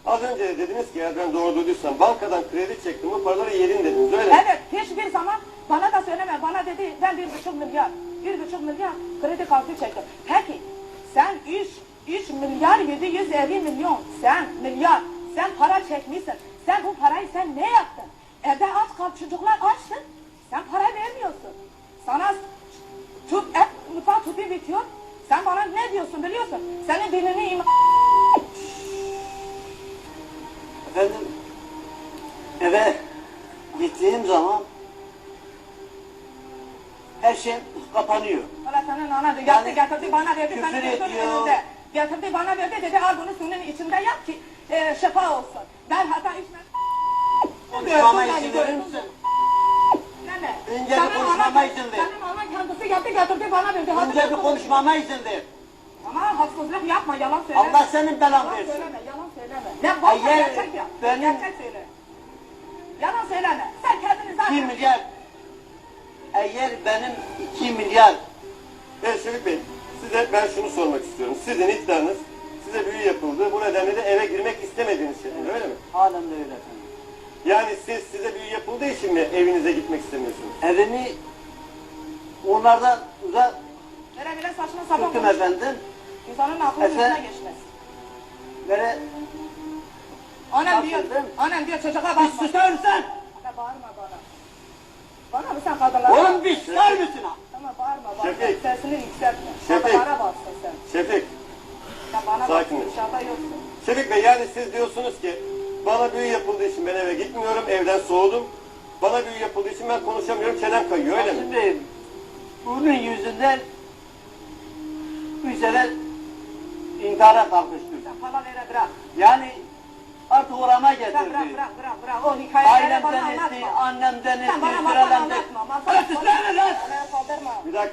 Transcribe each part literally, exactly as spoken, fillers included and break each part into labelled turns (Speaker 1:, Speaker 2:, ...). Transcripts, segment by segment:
Speaker 1: Az önce de dediniz ki eğer ben doğru duyduysam bankadan kredi çektim bu paraları yedin dediniz öyle mi?
Speaker 2: Evet, hiçbir zaman bana da söyleme. Bana dedi ben bir buçuk milyar, bir buçuk milyar kredi kartı çektim. Peki sen üç, üç milyar yedi yüz elli milyon sen milyar sen para çekmişsin. Sen bu parayı sen ne yaptın? Evde aç kal çocuklar açtın. Sen para vermiyorsun. Sana tut, et, mutfağı tutuyor bitiyor. Sen bana ne diyorsun biliyorsun? Senin dinini iman...
Speaker 3: Efendim, eve gittiğim zaman her şey kapanıyor.
Speaker 2: Valla senin ana da
Speaker 3: Yani
Speaker 2: getirdi, getirdi bana verdi,
Speaker 3: küfür
Speaker 2: senin gözünün
Speaker 3: ediyor.
Speaker 2: önünde. Getirdi bana verdi dedi al bunu suyun içinde yap ki e, şifa olsun. Ben hatta içmem.
Speaker 3: Konuşmama izin verir misin?
Speaker 2: Nene,
Speaker 3: Önce bir
Speaker 2: senin
Speaker 3: konuşmama
Speaker 2: ana-
Speaker 3: izin ver.
Speaker 2: Senin anan kendisi yaptı getirdi bana verdi. Hadi
Speaker 3: Önce bir
Speaker 2: yapma.
Speaker 3: konuşmama izin ver.
Speaker 2: Ama haksızlık yapma yalan söyleme.
Speaker 3: Allah senin belan
Speaker 2: Yalan
Speaker 3: versin.
Speaker 2: söyleme yalan söyleme. Ne varsa
Speaker 3: Eğer
Speaker 2: gerçek yap.
Speaker 3: benim-
Speaker 2: Gerçek söyle. Yalan söyleme. Sen kendini zaten...
Speaker 3: iki milyar, eğer benim iki milyar,
Speaker 1: Evet Şefik Bey, size ben şunu sormak istiyorum. Sizin iddianız size büyü yapıldı. Bu nedenle de eve girmek istemediğiniz şeklinde öyle mi?
Speaker 3: halen de öyle efendim.
Speaker 1: Yani siz size büyü yapıldığı için mi evinize gitmek istemiyorsunuz?
Speaker 3: Evimi onlardan uzak
Speaker 2: Böyle böyle saçma sapan
Speaker 3: tuttum
Speaker 2: konuş.
Speaker 3: efendim.
Speaker 2: İnsanın aklının
Speaker 3: Efendim?
Speaker 2: üstüne geçmez.
Speaker 3: Böyle
Speaker 2: Annem diyor,
Speaker 3: Nasıldım?
Speaker 2: annem diyor çocuğa
Speaker 3: bir
Speaker 2: bakma.
Speaker 3: susar mısın?
Speaker 2: Ana bağırma bana. Bana mı sen kadınlara?
Speaker 3: Oğlum bir susar mısın ha?
Speaker 2: Tamam bağırma bana.
Speaker 1: Şefik.
Speaker 2: Sesini yükseltme.
Speaker 1: Şefik.
Speaker 2: Kadınlara baksın sen.
Speaker 1: Şefik,
Speaker 2: Sen bana
Speaker 1: Sakin ol.
Speaker 2: baksın. Dışarıda yoksun.
Speaker 1: Şefik Bey yani siz diyorsunuz ki bana büyü yapıldığı için ben eve gitmiyorum, evden soğudum. Bana büyü yapıldığı için ben konuşamıyorum, çenem kayıyor öyle mi?
Speaker 3: Şimdi bunun yüzünden üç sefer intihara kalkıştım.
Speaker 2: Sen falan öyle bırak.
Speaker 3: Yani artık orama
Speaker 2: Bırak
Speaker 3: getirdi.
Speaker 2: bırak bırak bırak. bırak. O hikayeleri bana
Speaker 3: Ailemden etti,
Speaker 2: anlatma.
Speaker 3: annemden etti,
Speaker 2: Sen bana masal
Speaker 3: sürelemde.
Speaker 2: anlatma. Masal
Speaker 3: Ötü söyle lan!
Speaker 2: Bana kaldırma.
Speaker 1: Bir dakika.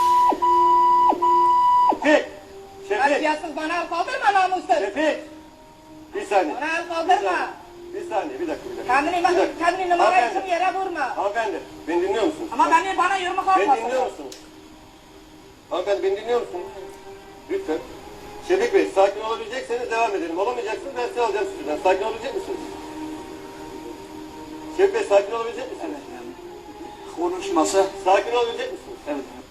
Speaker 1: Şefik, Şefik,
Speaker 2: Terbiyesiz bana el kaldırma namussuz.
Speaker 1: Şefik. Bir saniye.
Speaker 2: Bana el
Speaker 1: Bir
Speaker 2: kaldırma.
Speaker 1: saniye, bir saniye, bir dakika, bir dakika.
Speaker 2: Kendini,
Speaker 1: Bir dakika.
Speaker 2: kendini numara
Speaker 1: Hanımefendi,
Speaker 2: için yere vurma.
Speaker 1: Hanımefendi, beni dinliyor musunuz?
Speaker 2: Ama beni bana yumruk
Speaker 1: Beni
Speaker 2: atmasın.
Speaker 1: dinliyor musunuz? Hanımefendi beni dinliyor musunuz? Lütfen. Şefik Bey sakin olabilecekseniz devam edelim. Olamayacaksınız ben size alacağım sizden. Sakin olabilecek misiniz? Şefik Bey sakin olabilecek misiniz?
Speaker 3: Konuşması.
Speaker 1: Sakin olabilecek misiniz?
Speaker 3: Evet.